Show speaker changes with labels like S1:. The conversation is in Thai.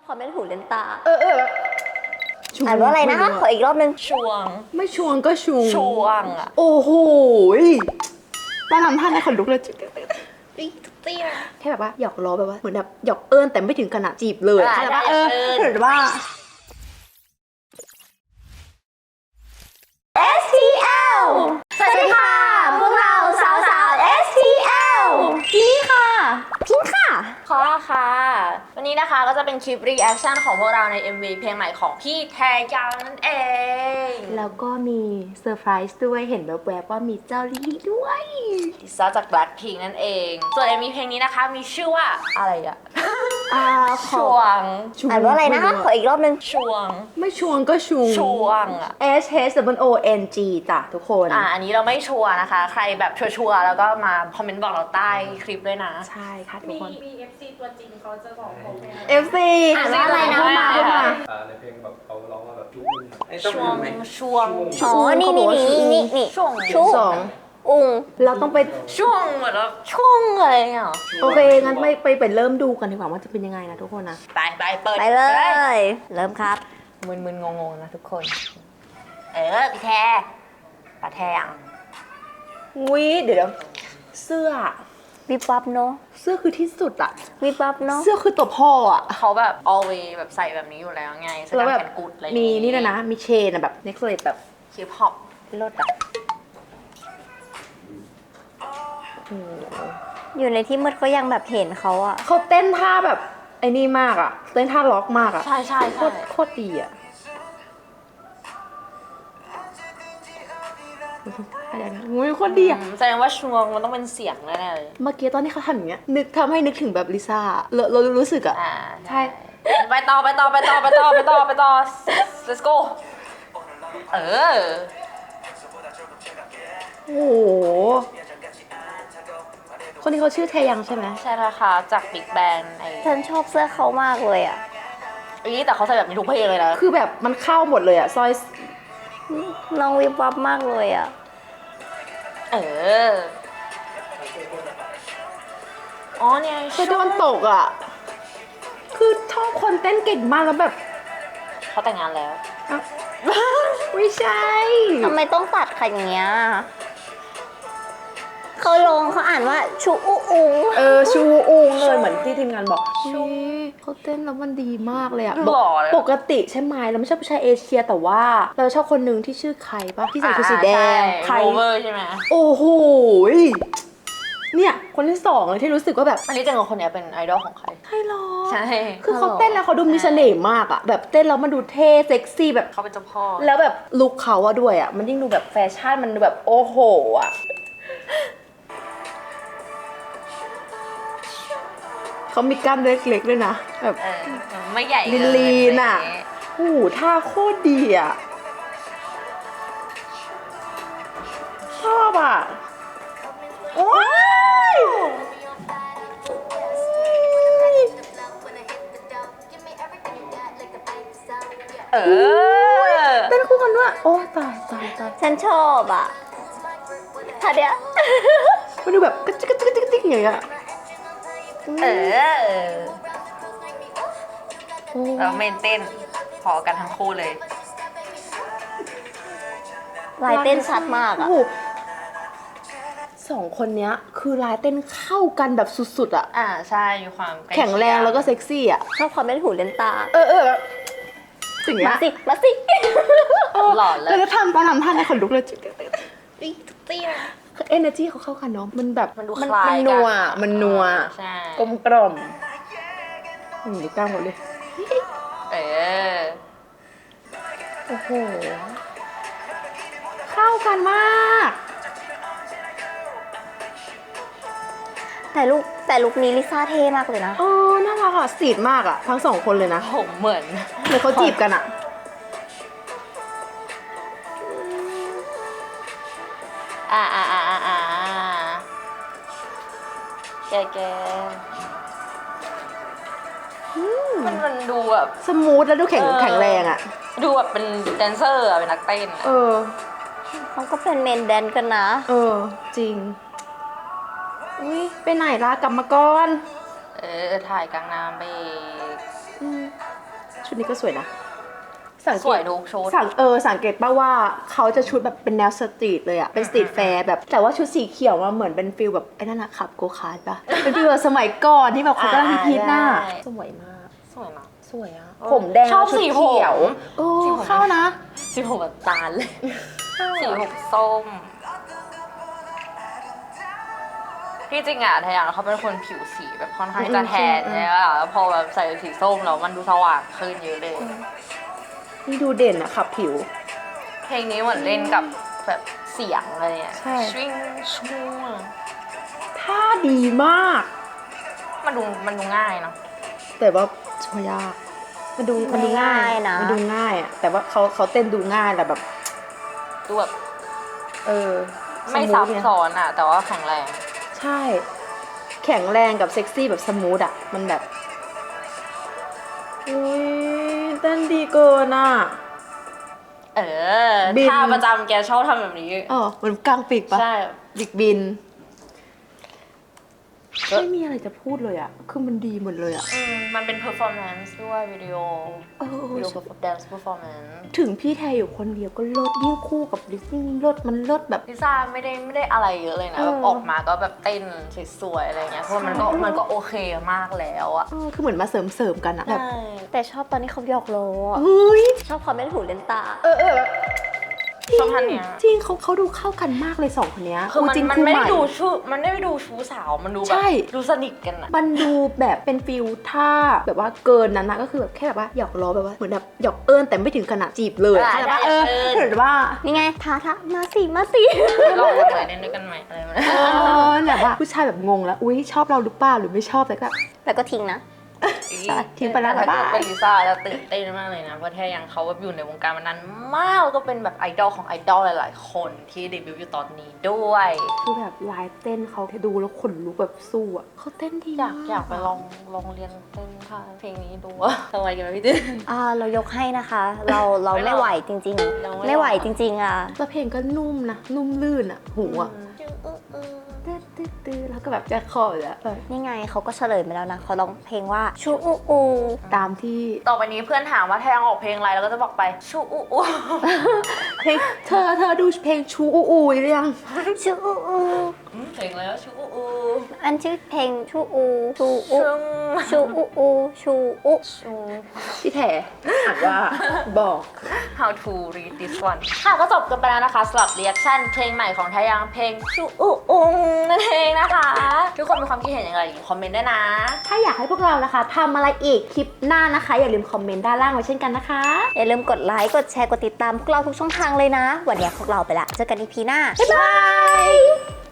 S1: ความไม่ถูกเล่นตา
S2: แบบ
S1: อ่านว่าอะไรนะคะขออีกรอบนึง
S3: ชวง
S2: ไม่ชวงก็ชู
S3: ชวงอ่ะ
S2: โอ้โหตอนทำท่าในขนลุกเลยแค่แบบว่าหยอกล้อแบบว่าเหมือนแบบหยอกเอิญแต่ไม่ถึงขนาดจีบเลยแต่ว่าถือว่า
S1: STL สวัสดีค่ะพวกเราสาวSTL จินนี่ค่ะพิงค่ะ
S3: ขอค่ะวันนี้นะคะก็จะเป็นคลิปรีแอคชั่นของพวกเราใน MV เพลงใหม่ของพี่แทยาวนั่นเอง
S2: แล้วก็มีเซอร์ไพรส์ด้วยเห็นแวบๆว่ามีเจ้าลิลี่ด้วย
S3: ลิซ่าจาก Blackpink นั่นเอง ส่วน MV เพลงนี้นะคะมีชื่อว่าอะไรอะชวง
S1: อ่านว่าอะไรนะคะขออีกรอบนึง
S3: ชวง
S2: ไม่ชวงก็ชู
S3: ชวงอะ
S2: SHWONG จ้ะทุกคน
S3: อันนี้เราไม่ชัวร์นะคะใครแบบชัวร์แล้วก็มาคอมเมนต์บอกเราใต้คลิปด้วยนะ
S2: ใช่ค่ะทุกคน
S4: มี FC ตัวจริงเขาจะบอกผม
S2: FC
S1: อ่านว่าอะไรนะมา
S5: ในเพลงแบบเขาร้องว่าแบบจุ๊บ
S3: ชวงชวง
S1: อ๋อนี่
S3: ช่วง
S2: สอง
S1: อุ้ง
S2: เราต้องไป
S3: ช่วงเหมือนแบบช่วงอะไรเงี้ย
S2: โอเคงั้นไปเริ่มดูกันดีกว่าว่าจะเป็นยังไงนะทุกคนนะ
S3: ไปเปิด
S1: ไปเลยเริ่มครับ
S3: มึนงงๆนะทุกคนพี่แทปะแทง
S2: เดี๋ยวเสื้อ
S1: วิบวับเนาะ
S2: เสื้อคือที่สุดอะ
S1: วิบวับเนาะ
S2: เสื้อคือตัวพ่ออะ
S3: เขาแบบ always แบบใส่แบบนี้อยู่แล้วไงแสดงแขนกุดอะไร
S2: มีนี่นะมีเชนอะแบบเน็กเลสแบบ
S3: ฮิปฮอป
S2: รถอะ
S1: อยู่ในที่มืดก็ยังแบบเห็นเขาอะ
S2: เขาเต้นท่าแบบไอ้นี่มากอะเต้นท่าล็อกมากอะ
S3: ใช่
S2: โคตรดีอะโคตรดีอะ
S3: แสดงว่าช่วงมันต้องเป็นเสียงแน่ๆเลย
S2: เมื่อกี้ตอนที่เขาทำอย่างเงี้ยทำให้นึกถึงแบบลิซ่าเรารู้สึกอะใช่
S3: ไปต่อ let's go
S2: โอ้โหคนนี้เขาชื่อแทยังใช่ไหม
S3: ใช่แล้วค่ะจากบิ๊กแบน
S1: ฉันชอบเสื้อเขามากเลยอะ
S3: แต่เขาใส่แบบนี้ทุกเพลงเลยนะ
S2: คือแบบมันเข้าหมดเลยอะซอย
S1: น้องวิบวับมากเลยอะ
S3: อ๋อเนี่ย
S2: คือโดนตกอะคือชอบคนเต้นเก่งมากแล้วแบบ
S3: เขาแต่งงานแล้ว
S2: ไม่ใช่
S1: ทำไมต้องตัดขนาดเงี้ยเขาลงเขาอ่านว่าชูอูอุง
S2: ชูอุงเลยเหมือนที่ทีมงานบอกเขาเต้นแล้วมันดีมากเลยอะปกติใช่ไหมเราไม่ชอบผู้ชายเอเชียแต่ว่าเราชอบคนหนึ่งที่ชื่อใครปะที่ใส่ชุดสีแดง
S3: ใครเวอร์ใช่ไหม
S2: โอ้โหเนี่ยคนที่สองเลยที่รู้สึกว่าแบบ
S3: อันนี้จังกับคนนี้เป็นไอดอลของใคร
S2: ใช่หรอ
S3: ใช่
S2: คือเขาเต้นแล้วเขาดูมีเสน่ห์มากอะแบบเต้นแล้วมันดูเท่เซ็กซี่แบบ
S3: เขาเป็นเจ้าพ่อ
S2: แล้วแบบลุคเขาอะด้วยอะมันยิ่งดูแบบแฟชั่นมันดูแบบโอ้โหอะเขามีกล้ามเล็กๆด้วยนะแบบ
S3: ไม่ใหญ่
S2: ลีนอ่ะโอ้โหท่าโคตรดีอ่ะชอบอ่ะโอ้ยเป็นคู่กันด้วยโอ้ตาย
S1: ฉันชอบอ่ะท่าเดียว
S2: มันดูแบบกระจิกอย่างเงี้ย
S3: เราเมนเต้นพอกันทั้งคู่เลย
S1: ลายเต้นชัดมากอ่ะ
S2: สองคนเนี้ยคือลายเต้นเข้ากันแบบสุดๆอ่ะ
S3: ใช่มีความ
S2: แข็งแรงแล้วก็เซ็กซี่อ่ะ
S1: ชอบความไม่ถูกเล่นตา
S2: สิ่งนี้
S1: มาสิ
S3: หล่อเลย
S2: แล้วทำตอนทำท่าในขนลุกเลยเอเนอร์จีเขาเข้ากันเนาะมันแบบ
S3: มันดูคล้าย
S2: กันมันนัวกลมกล่อมนี่กล้าหมดเลยโอ้โหเข้ากันมาก
S1: แต่ลุคนี้ลิซ่าเท่มากเลยนะ
S2: น่ารักอ่ะสีดมากอ่ะทั้งสองคนเลยนะ
S3: ผมเหมือน
S2: เขาจีบกันอ่ะ
S3: แกมันดูแบบ
S2: สมูทแล้วดูแข็งแรงอ่ะ
S3: ดูแบบเป็นแดนเซอร์เป็นนักเต้น
S1: เขาก็เป็นเมนแดนกันนะ
S2: จริงไปไหนล่ะกลับมาก่อน
S3: ถ่ายกลางน้ำไป
S2: ชุดนี้ก็สวยนะสัง
S3: ส
S2: เก
S3: วย
S2: ต
S3: ทุกชุด
S2: สังเกตป่าว่าเขาจะชุดแบบเป็นแนวสตรีทเลยอะเป็นสตรีทแฟร์แบบแต่ว่าชุดสีเขียวมันเหมือนเป็นฟิลแบบไอ้นั่นอะขับโกคาร์ทปะเป็นฟิลแบบสมัยก่อนที่แบบเขากำลังฮิตๆน่ะ
S3: ได้
S2: สวยมาก
S3: สวยเนาะ
S2: สวยอะผมแดง
S3: ชอบ
S2: แล้วชุด
S3: สีผม
S2: เขียวโอ้เข้านะ
S3: สีผมแบบตาลเลย สีผมส้ม ที่จริงอะทยาเขาเป็นคนผิวสีแบบค่อนข้างจะแทนใช่ไหมแล้วพอแบบใส่สีส้มแล้วมันดูสว่างขึ้นเยอะเลย
S2: นี่ดูเด่นอะขับผิว
S3: เพลงนี้เหมือนเล่นกับแบบเสียงอะไรเนี่ย
S2: ใช่
S3: ชิงชูง
S2: ท่าดีมาก
S3: มันดูง่ายเนาะ
S2: แต่ว่าช่วยยากมันดูง่าย
S1: นะ
S2: มันดูง่ายอะแต่ว่าเขาเต้นดูง่ายแต่แบบ
S3: ดูแบบ
S2: ส
S3: ไม่
S2: มู
S3: ซั
S2: ท
S3: บ
S2: เนี่ย
S3: ซ้อนอะแต่ว่าแข็งแรง
S2: ใช่ แข็งแรงกับเซ็กซี่แบบสมูทอะมันแบบอุ้ยเต้นดีเกินอะ บิน
S3: ท่าประจำแกชอบทำแบบนี้
S2: เหมือนกลางปีกปะ
S3: ใช่
S2: ปีกบินไม่มีอะไรจะพูดเลยอะคือมันดีหมดเลยอะ
S3: มันเป็น performance ด้วยวิดีโอ วิดีโอ dance performance
S2: ถึงพี่แทอยู่คนเดียวก็เลิศยิ่งคู่กับลิซยิ่งเลิศมันเลิศแบบ
S3: ลิซ่าไม่ได้อะไรเยอะเลยนะแบบออกมาก็แบบเต้นสวยๆอะไรเงี้ยเพราะมันก็โอเคมากแล้วอะ
S2: คือเหมือนมาเสริมกันอะแบบ
S3: ใช่
S1: แต่ชอบตอนนี้เขาหยอกล้ออะ
S2: เฮ้ย
S1: ชอบความไม่ถูกเล่นตา
S2: แบบ
S3: ชอบท่านเนี้ย
S2: จริงเขาดูเข้ากันมากเลยสองคนเนี้ย
S3: คือมัน
S2: จริง
S3: มัน
S2: คู่
S3: ไม่
S2: ให
S3: ได้ดูชู้สาวมันดูแบ
S2: ใช่
S3: บดูสนิทกันอะ
S2: มันดูแบบเป็นฟิลท่าแบบว่าเกินนั้นนะก็คือแบบแค่แบบว่าหยอกล้อแบบว่าเหมือนแบบหยอกเอิญแต่ไม่ถึงขนาดจีบเลยเข้าใจปะเหมือนว่า
S1: นี่ไงท้ามาสิมาสิ
S3: ลองกันใหม่เล่นด้วยกันใหม่อะไรแบบนี้
S2: แบบว่าผู้ชายแบบงงแล้วอุ้ยชอบเราหรือเปล่าหรือไม่ชอบแต่ก็
S1: แล้วก็ทิ้งนะ
S2: ทิ้งไปแล้ว
S3: ถ้า
S2: บ๊ายบาย
S3: เกิดเป็นลิซ่าจะตื่นเต้นมากเลยนะเพราะแท้ยังเขาแบบอยู่ในวงการมานานมากแล้วก็เป็นแบบไอดอลของไอดอลหลายๆคนที่เดบิวต์อยู่ตอนนี้ด้วย
S2: คือแบบลายเต้นเขาดูแล้วขนลุกแบบสู้อ่ะเขาเต้นดี
S3: อยากไปลองเรียนเต้นท่าเพลงนี้ดูอะทำไมกันไหมพี่ตื้อ
S1: เรายกให้นะคะ เรา
S3: ไม่
S1: ไม่
S3: หรอก
S1: ไหวจริง
S3: เรา
S1: ๆ
S3: ไม่
S1: ไม่ไหว
S3: ไหว
S1: จริง ๆอ่ะ
S2: แล้วเพลงก็นุ่มนะนุ่มลื่นอ่ะหูอ่ะตื้อแล้วก็แบบจะคออยู่แล้ว
S1: นี่ไงเขาก็เฉลยมาแล้วนะเขาร้องเพลงว่าชูอูอู
S2: ตามที่
S3: ต่อไปนี้เพื่อนถามว่าแทงออกเพลงอะไรแล้วก็จะบอกไปชูอูอู
S2: เพลงเธอดูเพลงชูอูอูหรือยัง
S1: ชูอูอู
S3: เพลงแล้วชูอูอู
S1: อันชื่อเพลงชูอูชูอู
S3: ชึง
S1: ชูอูอูชูอู
S3: ชู
S2: พี่แถอ่านว่าบอก
S3: how to read this one ค่ะก็จบกันไปแล้วนะคะสำหรับ reaction เพลงใหม่ของทายังเพลงชูอูอูนั่นเองนะคะ ทุกคนมีความคิดเห็นอย่างไรคอมเมนต์ได้นะ
S2: ถ้าอยากให้พวกเรานะคะทำอะไรอีกคลิปหน้านะคะ อย่าลืมคอมเมนต์ด้านล่างไว้เช่นกันนะคะ
S1: อย่าลืมกดไลค์กดแชร์กดติดตามพวกเราทุกช่องทางเลยนะ วันนี้พวกเราไปละเจอกันอีพีหน้า
S2: บ๊ายบาย